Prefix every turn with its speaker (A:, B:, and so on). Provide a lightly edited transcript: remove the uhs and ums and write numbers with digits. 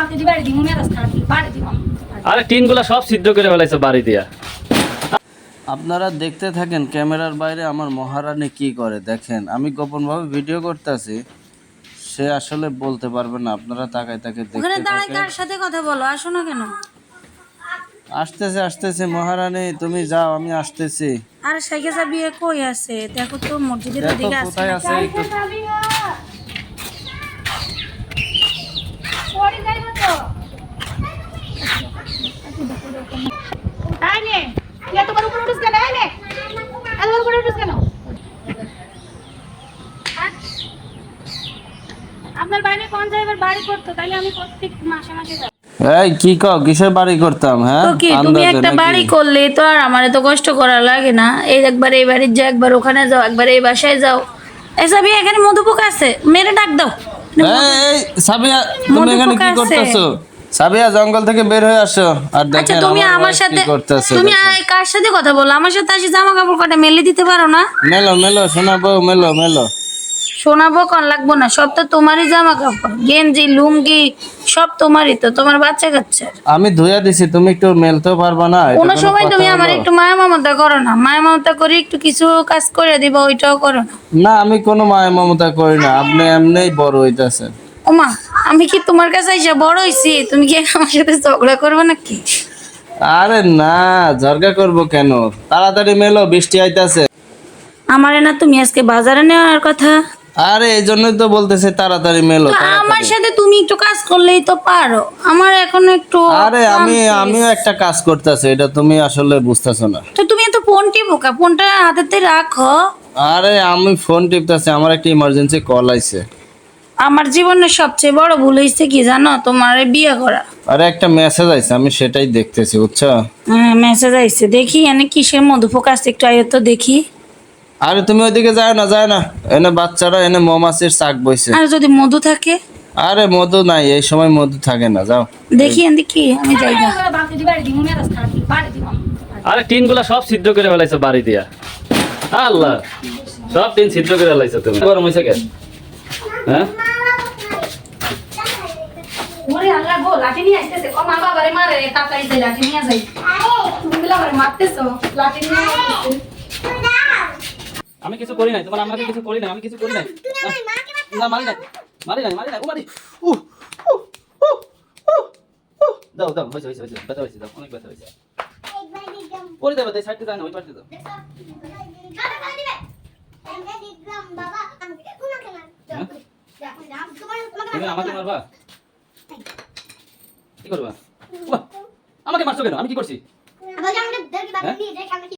A: আরে টিনগুলা সব সিদ্ধ করে ফেলাইছে বাড়ি দিয়া।
B: আপনারা দেখতে থাকেন ক্যামেরার বাইরে আমার মহারানী কি করে দেখেন। আমি গোপনভাবে ভিডিও করতেছি, সে আসলে বলতে পারবে না। আপনারা তাকায় তাকে দেখতে থাকেন।
C: কার সাথে কথা বলো, আসো না কেন?
B: আসতেছে আসতেছে মহারানী, তুমি যাও, আমি আসতেছি।
C: আর সাইকে যাবি কই আছে? দেখো তো মসজিদের
B: দেখো
C: ওদিকে আছে।
B: কোথায় আছে একটু।
C: আপনার বাইরে কোন জায়গায় বাড়ি করতো? তাইলে আমি প্রত্যেক মাসে মাসে যাব।
B: এই কি কও, কিসের বাড়ি করতাম? হ্যাঁ
C: তো কি তুমি
B: আন্দাজে
C: একটা
B: নাকি?
C: বাড়ি করলে তো আর আমারে তো কষ্ট করা লাগে না। এই একবার এই বাড়ির যাও, একবার ওখানে যাও, একবার এই বাসায় যাও। এসবই এখানে মধুপোক আছে, মেরে ডাক দাও।
B: এই সাবিয়া, তুমি এখানে কি করতেছো? সাবিয়া, জঙ্গল থেকে বের হয়ে আসো। আর
C: আচ্ছা
B: দেখেন
C: তুমি আমার
B: wife
C: সাথে
B: কি করতেছে।
C: তুমি কার সাথে কথা বলো? আমার সাথে আসি জামা কাপড় কটা মেলে দিতে পারো না?
B: মেলো মেলো শোনাবো, মেলো মেলো।
C: শোনাবো কোন লাগবো না, সব তো তোমারই জামা কাপড়, গেঞ্জি লুঙ্গি সব তোমারই, তো তোমার বাচ্চা কাচ্চা।
B: আমি ধুইয়া দিছি, তুমি একটু মেলতেও পারবা না? এটা
C: কোনো
B: কোনো
C: সময়
B: কথা
C: তুমি আমার
B: হলো?
C: একটু মায়া মমতা করো না? মায়া মমতা করে একটু কিছু কাজ করে দিবা, ওইটাও করো না।
B: না, আমি কোনো মায়া মমতা করি না, আপনি এমনিই বড় হইতাছেন।
C: ওমা, আমি কি তোমার কাছে এসে বড় হইছি? তুমি কি আমার সাথে ঝগড়া করবে নাকি?
B: আরে না, ঝরগা করব কেন? তাড়াতাড়ি মেলো, বৃষ্টি আইতাছে।
C: আমারে না তুমি আজকে বাজারে নেওয়ার কথা।
B: আরে এই জন্যই তো বলতেছে তাড়াতাড়ি মেলো,
C: তো আমার
B: তাড়াতাড়ি।
C: সাথে তুমি একটু কাজ করলেই তো পারো, আমার এখন একটু
B: আরে
C: ক্লান্তি।
B: আমিও একটা কাজ করতেছি, এটা তুমি আসলে বুঝতেছো না।
C: তো তুমি এত ফোন টিপোকা, ফোনটা হাতেতে রাখো।
B: আরে আমি ফোন টিপতেছি, আমার একটা ইমার্জেন্সি কল আইছে।
C: আমার জীবনের সবচেয়ে বড় ভুল হয়েছে কি জানো? তোমার বিয়ে করা।
B: আরে একটা মেসেজ আইছে, আমি সেটাই দেখতেছি, বুঝছো?
C: হ্যাঁ, মেসেজ আইছে, দেখি এনে কিসের মধুপোক আছে, একটু আয়ো তো দেখি।
B: আরে তুমি ওইদিকে যায় না, যায় না। এনে বাচ্চারা এনে মৌমাছির চাক বইছে।
C: আর যদি মধু থাকে?
B: আরে মধু নাই, এই সময় মধু থাকে না, যাও।
C: দেখি এনে কি, আমি যাই না।
A: আরে টিনগুলা সব সিদ্ধ করে ফেলাইছে বাড়ি দিয়া। আল্লাহ, সব টিন সিদ্ধ করে ফেলাইছে। তুমি গরম হইছে কেন? হ্যাঁ,
C: ওরে আল্লাহ গো, লাঠি নিয়ে আসতেছে। ও মা বাবারে মারে, তাড়াতাড়ি যাই, লাঠি নিয়ে যাই। তুমি বিলা করে মারতেছো, লাঠি নিয়ে আসতেছে।
A: আমি কিছু করি নাই, তোমার আমাকে কিছু করি নাই, আমি কিছু করি নাই। না, মারি নাই, মারি নাই, মারি নাই, ও মারি। উহ, উহ, উহ, উহ, উহ। দাও দাও, হয়েছে হয়েছে হয়েছে, ব্যথা হয়েছে, দাও, অনেক ব্যথা হয়েছে। পরে দেবো, তাই সাইডে যায় না, ওই পাশে দাও। তুমি আমাকে মারবা? কি করবা? বাহ, আমাকে মারছো কেন? আমি কি করছি?